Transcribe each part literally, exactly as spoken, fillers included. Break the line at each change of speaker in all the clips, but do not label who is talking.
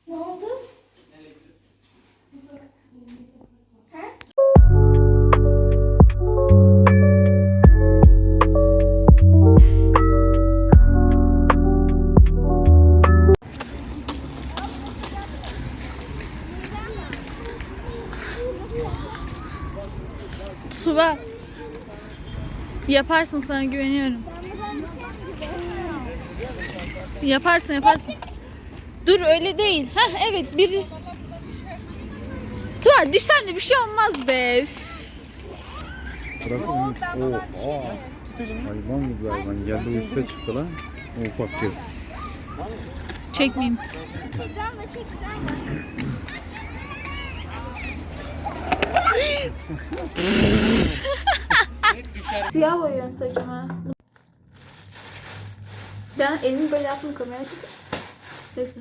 Ne oldu?
Tuba, yaparsın, sana güveniyorum. Yaparsın yaparsın. Dur öyle değil. Heh evet bir. Tuba düşsen de bir şey olmaz be.
Burası iyiymiş. Oo, aa. Hayvan gibi hayvan. Geldi o üstte çıktı lan. O ufak kız.
Çekmeyeyim. Siyah boyuyorum saçımı. Ben elimi böyle yaptım, kameraya çıktı. Neyse.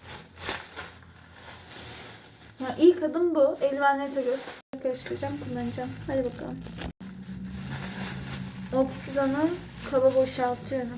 Ya ilk adım bu. Eldivenleri de gö- göstereceğim, kullanacağım. Hadi bakalım. Oksidanı kaba boşaltıyorum.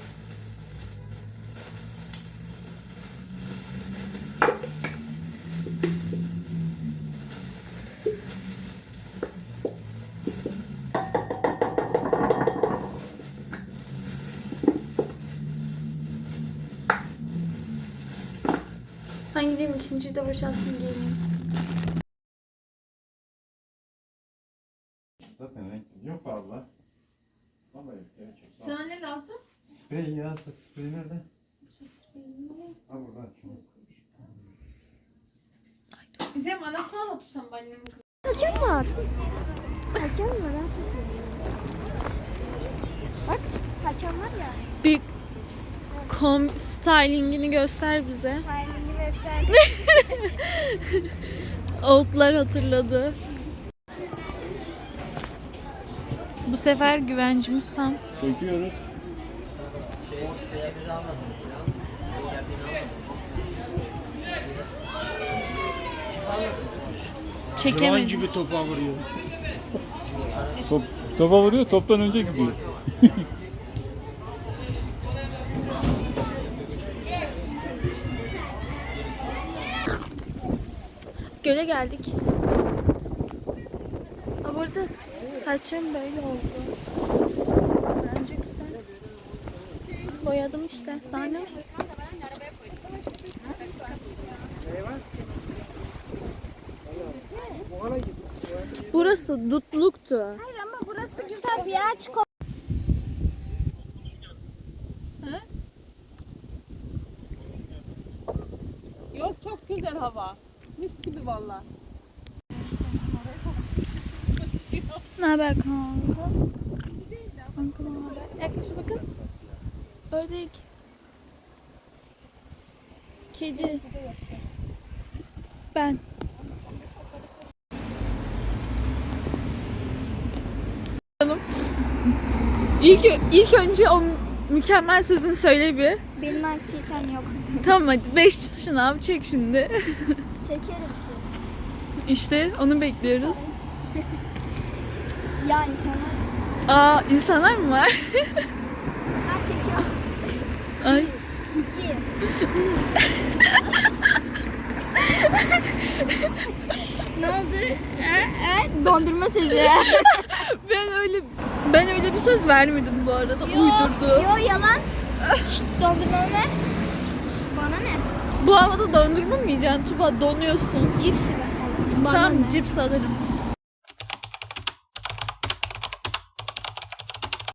Ben gideyim, ikinciyi de boşaltayım, geleyim.
Zaten renk yok abla. Vallahi gerek yok.
Sana ne lazım?
Sprey ya, sprey nerede? Ha burada.
Bizim anasını anlatıp sen annemin kızı.
Hakem var. Hakem var ha. Bak hakem var ya.
Bir kom stylingini göster bize.
Styling'i website.
Oldlar hatırladı. Bu sefer güvencimiz tam.
Çekiyoruz.
Çekemedim.
gibi topa vuruyor.
Top, topa vuruyor, toptan önce gidiyor.
Göle geldik. Aa, burada saçım böyle oldu. Bence güzel. Boyadım işte. Daha ne? Burası dutluktu.
Hayır ama burası güzel bir ağaç.
Yok çok güzel hava. Mis gibi valla.
Ne haber kanka? Kanka ne haber? Yaklaşın bakın. Ördek. Kedi. Ben. İlk, ilk önce o mükemmel sözünü söyle bir.
Benim anksiyetem yok.
Tamam hadi beş şınav çek şimdi.
Çekerim ki.
İşte onu bekliyoruz.
Ya insanlar.
Aa insanlar mı var?
Ha çekiyor.
Ay.
İki. Ne oldu? Ha? Dondurma sözü.
Ben öyle ben öyle bir söz vermedim bu arada. Uydurdu.
Yo yalan. Şşt dondurmamı ver. Bana ne?
Bu havada dondurma mı yiyeceksin Tuba? Donuyorsun.
Cips ver. Bana
Tamam
ne?
cips alırım.